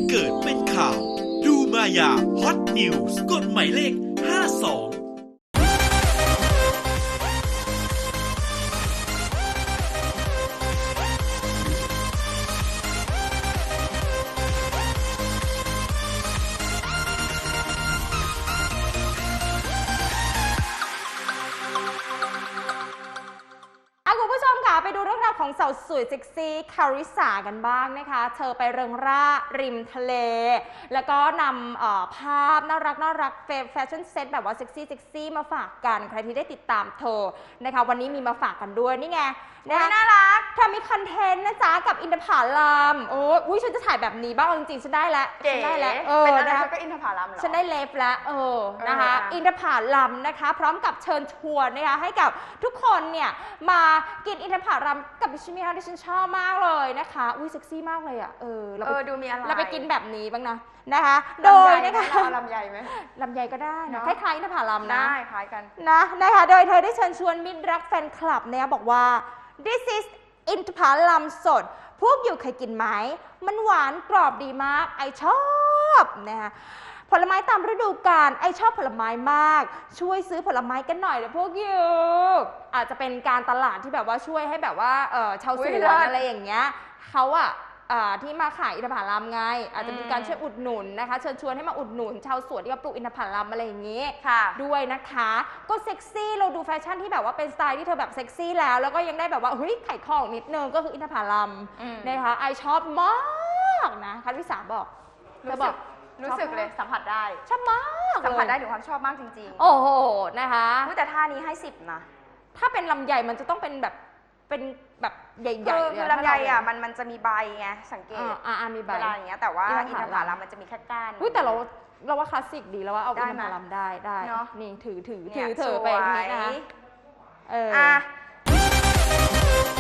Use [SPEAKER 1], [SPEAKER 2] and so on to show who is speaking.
[SPEAKER 1] เกิดเป็นข่าวดูมายาฮอตนิวส์กดหมายเลข 52
[SPEAKER 2] คุณผู้ชมค่ะไปดูเรื่องราวของสาวสวยเซ็กซี่คาริสากันบ้างนะคะเธอไปเริงร่าริมทะเลแล้วก็นำภาพน่ารักแฟชั่นเซ็ตแบบว่าเซ็กซี่มาฝากกันใครที่ได้ติดตามเธอนะคะวันนี้มีมาฝากกันด้วยนี่ไงนะคะน่ารักเธอมีคอนเทนต์นะจ๊ะกับอินทผลัมโอ้ยฉันจะถ่ายแบบนี้บ้างจริงๆฉันได้แล้วเป็นอะไรก็อินทผลัมเหรอฉันได้เล็บแล้วนะคะอินทผลัมนะคะพร้อมกับเชิญชวนนะคะให้กับทุกคนเนี่ยมากินอินทผลัมกับดิฉันที่ฉันชอบมากเลยนะคะอุ้ยเซ็กซี่มากเลยอ่ะดูมีอะไรเราไปกินแบบนี้บ้างนะคะโดยนะคะ
[SPEAKER 3] ลำไยไหม
[SPEAKER 2] ลำไยก็ได้นะคล้ายๆอินทผลัมนะ
[SPEAKER 3] ได้คล้ายกัน
[SPEAKER 2] นะคะโดยเธอได้เชิญชวนมิตรรักแฟนคลับเนี่ยบอกว่า This is อินทผลัมสดพวกอยู่เคยกินไหมมันหวานกรอบดีมากไอชอบนะคะผลไม้ตามฤดูกาลไอชอบผลไม้มากช่วยซื้อผลไม้กันหน่อยเดี๋ยวพวกอยู่อาจจะเป็นการตลาดที่แบบว่าช่วยให้แบบว่าชาวสวนอะไรอย่างเงี้ยเขาที่มาขายอินทผลัมไงอาจจะมีการช่วยอุดหนุนนะคะเชิญชวนให้มาอุดหนุนชาวสวนที่เขาปลูกอินทผลัมอะไรอย่างงี้ด้วยนะคะก็เซ็กซี่เราดูแฟชั่นที่แบบว่าเป็นสไตล์ที่เธอแบบเซ็กซี่แล้วก็ยังได้แบบว่าเฮ้ยไข่ของนิดนึงก็คืออินทผลัมนะคะไอชอบมากนะคัทวิสาบอก
[SPEAKER 3] รู้สึกเลยสัมผัสได้
[SPEAKER 2] ชอบมาก
[SPEAKER 3] สัมผัสได้ถึงความชอบมากจริง
[SPEAKER 2] ๆโอ้โหนะคะ
[SPEAKER 3] แต่ท่านี้ให้10นะ
[SPEAKER 2] ถ้าเป็นลำไยมันจะต้องเป็นแบบใหญ่ๆ
[SPEAKER 3] คือลำไยมันจะมีใบไงสังเกต
[SPEAKER 2] มีใบ
[SPEAKER 3] เวลาอย่างเงี้ยแต่ว่าอินทผลัมมันจะมีแค่ก้าน
[SPEAKER 2] แต่เราว่าคลาสสิกดีแล้วว่าเอาอินทผลัมได้นี่ถือไปอย่างนี้นะคะ